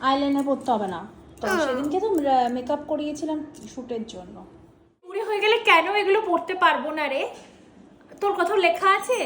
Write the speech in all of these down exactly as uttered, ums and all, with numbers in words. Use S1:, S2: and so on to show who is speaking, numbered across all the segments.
S1: Eyeliner পরতে হবে না। তো সেদিনকে তো মেকআপ করিয়েছিলাম শ্যুটের জন্য।
S2: বুড়ি হয়ে গেলে কেন এগুলো পড়তে পারবো না রে? তোর কোথাও লেখা আছে?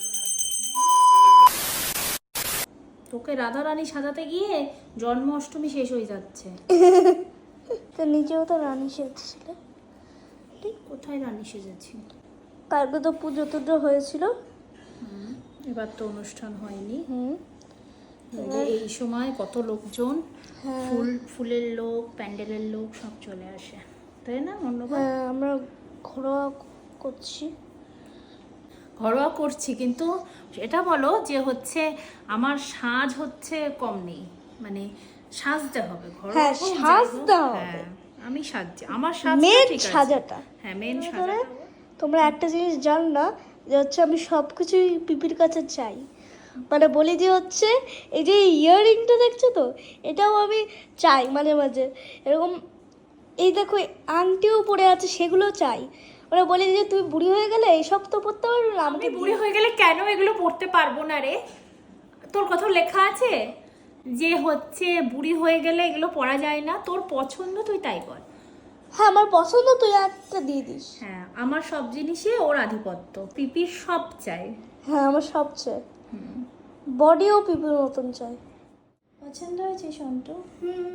S2: তোকে রাধা রানী সাজাতে গিয়ে জন্মাষ্টমী শেষ হয়ে যাচ্ছে।
S3: তো নিজেও তো রানী সেজেছিলে।
S2: কোথায় রানী সেজেছি?
S3: কালকে তো পুজো টুজো হয়েছিল।
S2: এবার তো অনুষ্ঠান হয়নি।
S3: হুম
S2: এই সময় কত লোকজন,
S3: হ্যাঁ
S2: ফুল ফুলের লোক, প্যান্ডেলের লোক সব চলে আসে, তাই না? অন্যবার
S3: হ্যাঁ আমরা ঘরোয়া করছি।
S2: ঘরোয়া করছি, কিন্তু এটা বলো যে হচ্ছে আমার সাজ হচ্ছে কম নেই, মানে সাজতে হবে ঘরোয়া
S3: হ্যাঁ,
S2: হোক, যাই হোক।
S3: সাজতে হবে।
S2: হ্যাঁ, আমি সাজছি, আমার সাজ
S3: মেন
S2: ঠিক আছে।
S3: সাজাটা।
S2: হ্যাঁ, মেন
S3: ধরে
S2: সাজাটা।
S3: তোমরা একটা জিনিস জানো না, যে হচ্ছে আমি সব কিছুই পিপির কাছে চাই। মানে বলি যে হচ্ছে এই যে ইয়াররিংটা দেখছো তো, এটাও আমি চাই মাঝে মাঝে। এরকম এই দেখো আংটিও পরে আছে, সেগুলো চাই। মানে বলি যে তুই বুড়ি হয়ে গেলে এইসব তো পড়তে পারবি না,
S2: আমি
S3: আমাকে
S2: বুড়ি হয়ে গেলে কেন এগুলো পড়তে পারবো না রে? তোর কোথাও লেখা আছে যে হচ্ছে বুড়ি হয়ে গেলে এগুলো পড়া যায় না? তোর পছন্দ, তুই তাই কর।
S3: হ্যাঁ আমার পছন্দ, তুই একটা দিয়ে দিস।
S2: হ্যাঁ, আমার সব জিনিসই ওর আধিপত্য, পিপির সব চাই।
S3: হ্যাঁ আমার সবচেয়ে বডিও পিপির মতন চাই।
S1: পছন্দ হয়েছে সন্টু?
S3: হুম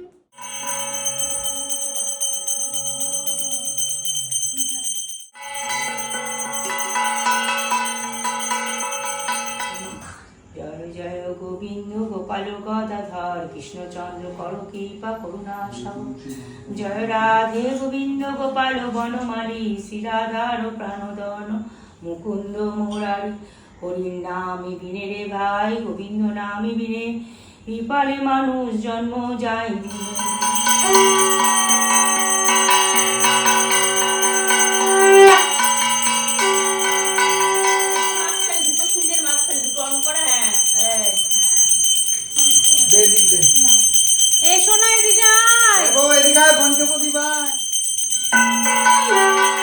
S4: জয় জয় গোবিন্দ গোপাল গদাধর কৃষ্ণচন্দ্র কর কৃপা করুণা সাগর। জয় রাধে গোবিন্দ গোপাল বনমালী শ্রীরাধার প্রাণদন মুকুন্দ মুরারি। হরির নামে বিনে রে ভাই, গোবিন্দ নামে বিনে বিপালে মানুষ জন্ম যায় দিনে।
S2: এসো না, এদিকে আয়।
S5: ও এদিকে আয়, পঞ্চপতি ভাই।